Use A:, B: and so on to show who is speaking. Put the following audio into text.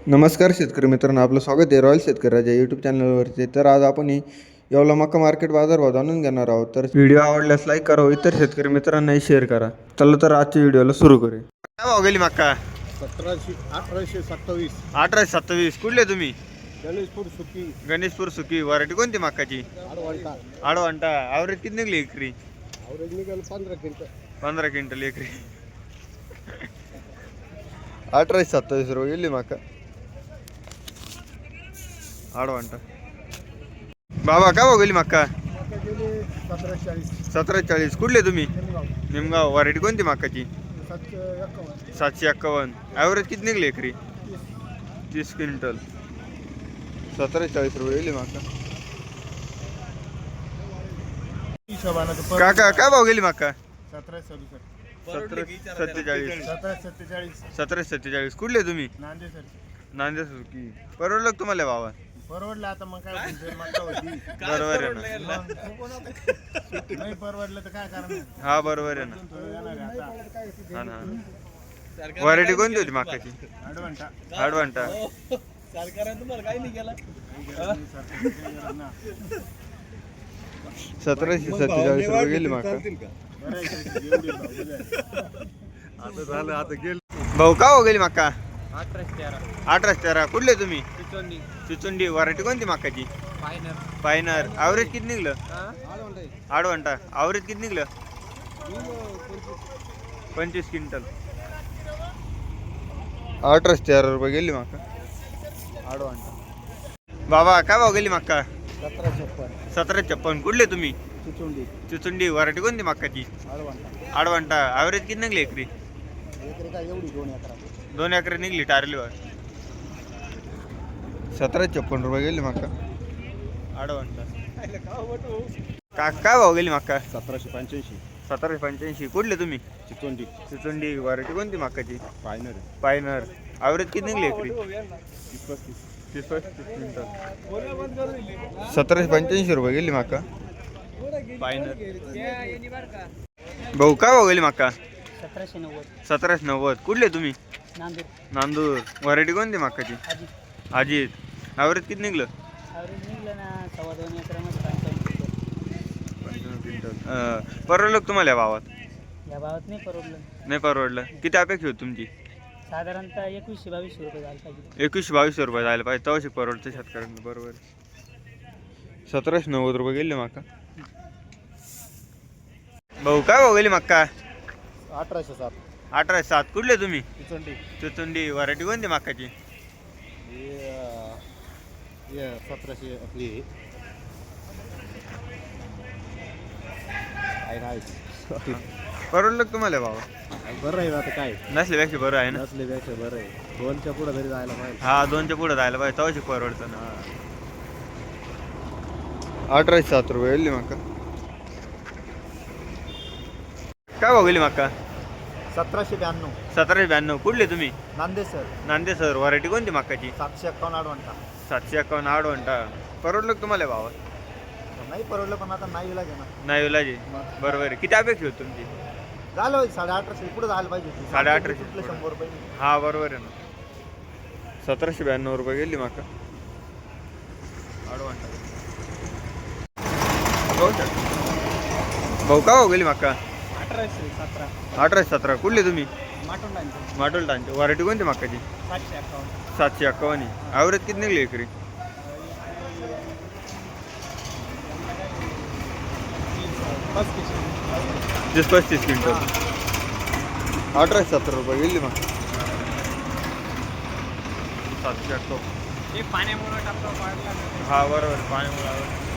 A: नमस्कार शेतकरी मित्रांनो, आपलं स्वागत आहे रॉयल शेतकरी राजा यूट्यूब चॅनलवरती. तर आज आपण येवला मका मार्केट बाजारभाव जाणून घेणार आहोत. तर व्हिडिओ आवडल्यास लाईक करा, इतर शेतकरी मित्रांनाही शेअर करा. चला तर आजच्या व्हिडिओला सुरू करूया. काय भाव गेली मका?
B: 1827.
A: 1827. कुठले तुम्ही?
B: गणेशपूर सुकी
A: गणेशपूर सुकी. व्हरायटी कोणती मकाची?
B: आडवांटा.
A: आडवांटा. ॲव्हरेज किती निघली एकरी?
B: आवरेज निघाल 15 क्विंटल.
A: 15 क्विंटल एकरी. 1827 रुपये गेली मका आडवांटा. बाबा काय भाव गेली मका?
B: मका गेले 1740.
A: 1740. कुठले तुम्ही?
B: निमगाव.
A: निमगाव. व्हरायटी कोणती मकाची?
B: 751.
A: 751. ॲव्हरेज किती निघली एकरी? 30 क्विंटल. 1740 रुपये गेली मका. काका काय भाव गेली मका?
B: 1747.
A: 1747.
B: 1747.
A: 1747. कुठले तुम्ही?
B: नांदे सर.
A: नांदेड सुकी. परवडलं का तुम्हाला भावा?
B: परवडलं आता मग काय होईल? मका होती.
A: बरोबर आहे ना.
B: नाही परवडलं तर काय करणार?
A: हा बरोबर आहे ना.
B: थोडं येणार आहे आता.
A: हा ना. व्हरायटी कोणती होती मकाची?
B: आडवांटा.
A: आडवांटा.
C: तुम्हाला काही नाही केला.
A: 1747 रुपये गेली मका.
B: आता झालं आता गेल.
A: भाऊ का हो गेली मका?
C: 1813.
A: 1813. कुठले तुम्ही?
C: चिचोंडी.
A: चिचुंडी. व्हरायटी कोणती मकाची?
C: फायनल.
A: पायनर. ॲव्हरेज किती निघलं? आडवांटा. ॲव्हरेज किती निघलं? 25 क्विंटल. 1813 रुपये गेली मका आडवांटा. बाबा काय भाव गेली मका?
B: 1756.
A: 1756. कुठले तुम्ही?
B: चिचोंडी.
A: चिचुंडी. व्हरायटी कोणती मकाची?
B: आडवांटा.
A: आडवांटा. ॲव्हरेज किती निघली एकरी?
B: एकरी काय एवढी 2 एकरा.
A: 2 एकरी निघली टारलीवर. 1756 रुपये गेली मका आडवांटा. काय भाव गेली मका?
B: 1785.
A: 1785. कुठले तुम्ही?
B: चिचोंडी.
A: चिचुंडी. व्हरायटी कोणती मकाची?
B: फायनल.
A: पायनर. ॲव्हरेज किती निघली एकरी?
B: 30-35.
A: 30 क्विंटल. 1785 रुपये गेली मका पायनर. भाऊ काय भाव गेली मका?
C: 1790.
A: 1790. कुठले तुम्ही?
C: नांदेड.
A: नांदूर. व्हरायटी कोणती मकाची?
C: आजी.
A: अजित. ॲव्हरेज किती निघलं?
C: ॲव्हरेज निघलं ना 2.25 एकरामध्ये 55
A: क्विंटल. परवडलं का तुम्हाला या भावात?
C: या भावात नाही परवडलं.
A: नाही परवडलं. किती अपेक्षा होती तुमची?
C: साधारणतः 2100-2200 रुपये झालं पाहिजे.
A: 2100-2200 रुपये जायला पाहिजे तवाशी परवडतं शेतकऱ्यांना. बरोबर. 1790 रुपये गेले मका. भाऊ काय भाऊ गेली मक्का?
B: 1807.
A: 1807. कुठले तुम्ही?
B: चिचोंडी.
A: चिचुंडी. व्हरायटी कोणती मकाची?
B: हे 1700 आपली आहे.
A: परवडलं का तुम्हाला भावा?
B: बरं आहे आता काय
A: नसल्यापेक्षा बरं आहे ना.
B: नसल्यापेक्षा बरं आहे. 2च्या पुढे तरी जायला पाहिजे.
A: हा 2च्या पुढे जायला पाहिजे तवाशी परवडतं ना. 1807 रुपये गेली मका. काय भाव गेली मका?
B: 1792.
A: 1792. कुठले तुम्ही?
B: Nande sir.
A: Nande sir. Variety कोणती मकाची?
B: 751 आडवांटा.
A: 751. आडवंटा. परवडलं का तुम्हाला भावा?
B: नाही परवडलं पण आता नाही विला घेणार.
A: नाही विलाजी. बरोबर आहे. किती अपेक्षा होती तुमची?
B: झालं 1850 पुढे जायला पाहिजे.
A: 1850
B: कुठले 100 रुपये.
A: हा बरोबर आहे ना. 1792 रुपये गेली मका आडवंटा. भाऊ का हो गेली मका?
C: 1817.
A: 1817. कुठले तुम्ही?
C: माटोंडांचे.
A: माटोल टांचे. व्हरायटी कोणती मकाची?
C: 751.
A: 751. ॲव्हरेज किती निघली एकरी? 30-35 क्विंटल. 1817 रुपये गेली मग. 751.
C: हे पाण्यामुळे टाकतो पाडला.
A: हा बरोबर. पाण्यामुळे